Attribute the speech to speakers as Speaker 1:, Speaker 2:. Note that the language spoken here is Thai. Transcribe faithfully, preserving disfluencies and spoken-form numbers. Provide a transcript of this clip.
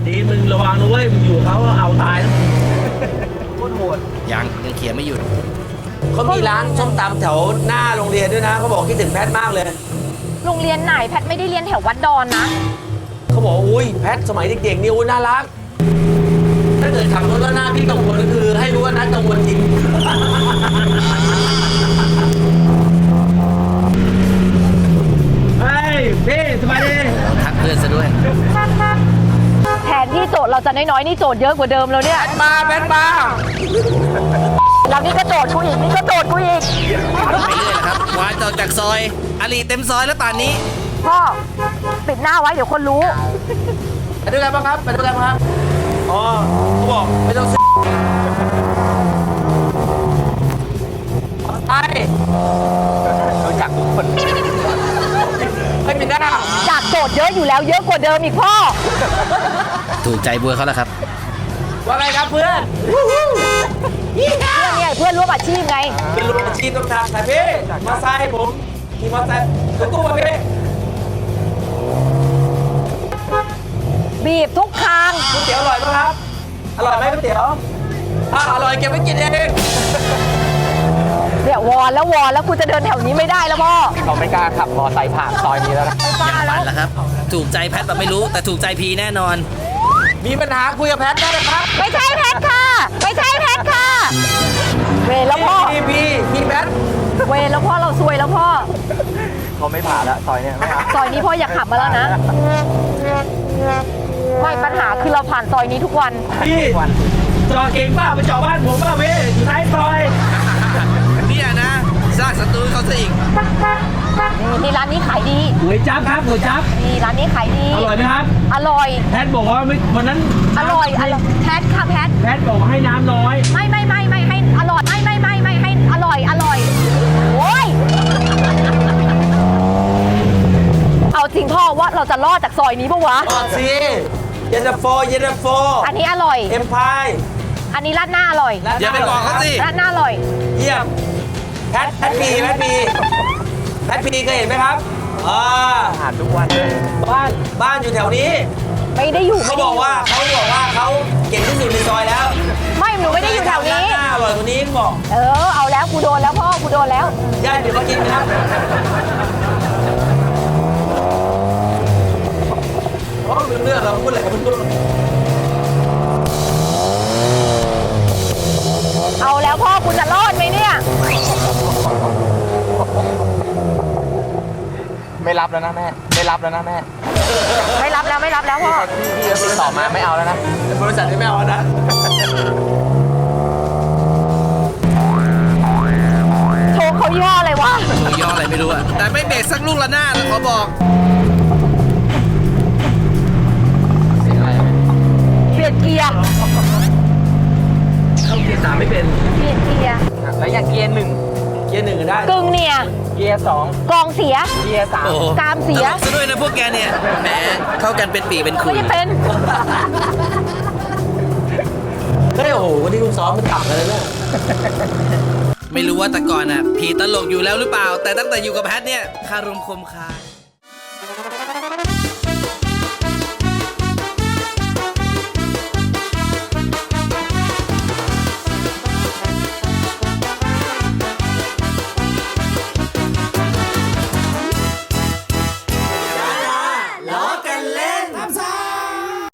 Speaker 1: ดีมึงระวังนะเว้ยมึงอยู่เขาเอาตายนะโคตรโหด
Speaker 2: ยังยังเขียนไม่หยุด
Speaker 3: เขามีร้านส้มตำแถวหน้าโรงเรียนด้วยนะเขาบอกคิดถึงแพทมากเลย
Speaker 4: โรงเรียนไหนแพทไม่ได้เรียนแถววัดดอนนะ
Speaker 3: เขาบอกอุ้ยแพทสมัยเด็กๆนี่อุ้ยน่ารักถ้าเกิดขับรถแล้วหน้าพี่กังวลก็คือให้รู้ว่านัทกังวลจริง
Speaker 1: เฮ้ยพี่สบายดี
Speaker 2: ทักเพื่อนซะด้วย
Speaker 4: แทนที่โจทย์เราจะน้อยๆนี่โจทย์เยอะกว่าเดิมแล้วเนี่ย
Speaker 3: มาแพทมา
Speaker 4: แล้วนี่ก็โจทย์กูอีกนี่ก็โจทย์กูอีก
Speaker 2: ไปเรื่อยนะครับวานออกจากซอยอาลีเต็มซอยแล้วป่านนี้
Speaker 4: พ่อปิดหน้าไว้เดี๋ยวคนรู้
Speaker 3: ไปด้วยกันบ้างครับไปด้วยกันบ้างครับอ๋อเขาบอกไม่ต้องซื้อไปรู้จักทุกคนไม่มีหน้า
Speaker 4: จากโจทย์เยอะอยู่แล้วเยอะกว่าเดิมอีกพ่อ
Speaker 2: ถูกใจบัวเขาแล้วครับ
Speaker 3: ว่าไงครับเพื่อน
Speaker 4: เพื่อนเนี่ยเพื่อนร่วมอาชีพไง
Speaker 3: เป็นรูปอาชีพต้องทำแต่พี่มาไซค์ผมขี่มอเตอร์ไซค์รถตู้มาพี่
Speaker 4: บีบทุกทาง
Speaker 3: ก๋วยเตี๋ยวอร่อยไหมครับ อร่อยไหมก๋วยเตี๋ยวถ้าอร่อยเก็บไว้กินเอง
Speaker 4: เนี่ยวอนแล้ววอนแล้วกูจะเดินแถวนี้ไม่ได้แล้วพ่อ
Speaker 3: เขาไม่กล้าขับมอเตอร์ไซค์ผ่านซอยนี้แล้วนะ
Speaker 4: ไม่กล้า
Speaker 2: ยัง
Speaker 4: แล้
Speaker 2: ฝั
Speaker 4: วน
Speaker 2: แล้วครับ ถูกใจแพทแบบไม่รู้แต่ถูกใจพีแน่นอน
Speaker 3: มีปัญหาคุยกับแพทได้เลยครับ
Speaker 4: ไม่ใช่แพทค่ะ ไม่ใช่แพทค่ะ เวรแล้วพ่อ
Speaker 3: พี่พี่พี่แพท
Speaker 4: เวรแล้วพ่อเราซวยแล้วพ่อ
Speaker 3: เขาไม่ผ่านแล้วซอยเนี้ยไม่เอา
Speaker 4: ซอยนี้พ่ออย่าขับมาแล้วนะ ไม่ปัญหาคือเราผ่านซอยนี้ทุกวัน
Speaker 1: พี่จอดเก่งป่ะมาจอดบ้านผมป่ะพี่อยู่ท้ายซอย
Speaker 2: เนี่ยนะสร้างศัตรูให้เขาซะอีก
Speaker 4: นี่นี่ร้านนี้ขายดี
Speaker 1: หวยจับครับหวยจับ
Speaker 4: นี่ร้านนี้ขายดี
Speaker 1: อร่อยไหมครับ
Speaker 4: อร่อย
Speaker 1: แพทบอกว่าไม่วันนั้น
Speaker 4: อร่อย อร่อย แพทค่ะแพท
Speaker 1: แพทบอกว่าให้น้ำน้อย
Speaker 4: ไม่ไม่ไม่ไม่ให้อร่อย ไม่ไม่ไม่ไม่ให้อร่อย อร่อย โอ้ย เอาจริงพ่อว่าเราจะรอดจากซอยนี้ปะวะ
Speaker 3: ก่อนสิเย็นตาโฟเย็นตาโฟ
Speaker 4: อันนี้อร่อย
Speaker 3: เอ็มพาย
Speaker 4: อันนี้ราดหน้าอร่อย
Speaker 2: อย่าไปบอกเขาสิ
Speaker 4: ราดหน้าอร่อย
Speaker 3: เยี่ยมแพทแพทพีแพทพีแพทพีเคยเห็นไหมครับอ่าผ่านทุกวันบ้านบ้านอยู่แถวนี้
Speaker 4: ไม่ได้อยู่
Speaker 3: เขา
Speaker 4: ไม่
Speaker 3: บ
Speaker 4: ได้
Speaker 3: อก
Speaker 4: ยู่
Speaker 3: ว่าเขาบอกว่าเขาเก่งที่สุดในซอยแล้ว
Speaker 4: ไม่หนูไม่ได้อยู่แถวนี้
Speaker 3: หน้าอร่อยกว่านี้เขาบอก
Speaker 4: เออ เอาแล้วกูโดนแล้วพ่อ กูโดนแล้ว
Speaker 3: ญาติเดี๋ยวมากินนะครับโอ้เรื่องเราพูดอะไรกันไม่รู้
Speaker 4: เอาแล้วพ่อกูจะรอดไหมเนี่ย
Speaker 5: ไม่รับแล้วนะแม่ ไม่รับแล้วนะแม่
Speaker 4: ไม่รับแล้วไม่รับแล้วพ่อ
Speaker 5: พี่พี่ติดต่อมาไม่เอาแล้วนะ
Speaker 3: บริษัทที่ไม่เอานะ
Speaker 4: โชว์เขาย่ออะไรวะ
Speaker 2: หมูย่ออะไรไม่รู้อะแต่ไม่เบรกสักลูกละหน้าดขอบอก
Speaker 5: เสียงอะไร
Speaker 4: เปลี่ยนเกียร์
Speaker 1: เข้าเกียร์สามไม่เป็น
Speaker 4: เปลี่ยนเกียร์
Speaker 5: แล้วอย่างเกียร์หนึ่ง
Speaker 3: เกียร์หนึ่งก็ได้
Speaker 4: กึ่งเนี่ย
Speaker 5: เกียร์สอง
Speaker 4: กองเสีย
Speaker 5: เกียร์สาม
Speaker 2: โอ้โห
Speaker 4: กามเสีย
Speaker 2: ตลกซะด้วยนะพวกแกเนี่ย แหม เข้ากันเป็นปีเป็นคุ
Speaker 4: ไม่
Speaker 2: ย
Speaker 4: ได้เป็น
Speaker 3: เฮ้ยโอ้โหวันนี้คุณซ้อมมันต่ำเลยนะ
Speaker 2: ไม่รู้ว่าแต่ก่อนอ่ะ ผีตลกอยู่แล้วหรือเปล่า แต่ตั้งแต่อยู่กับแพทเนี่ยคารมคมคาย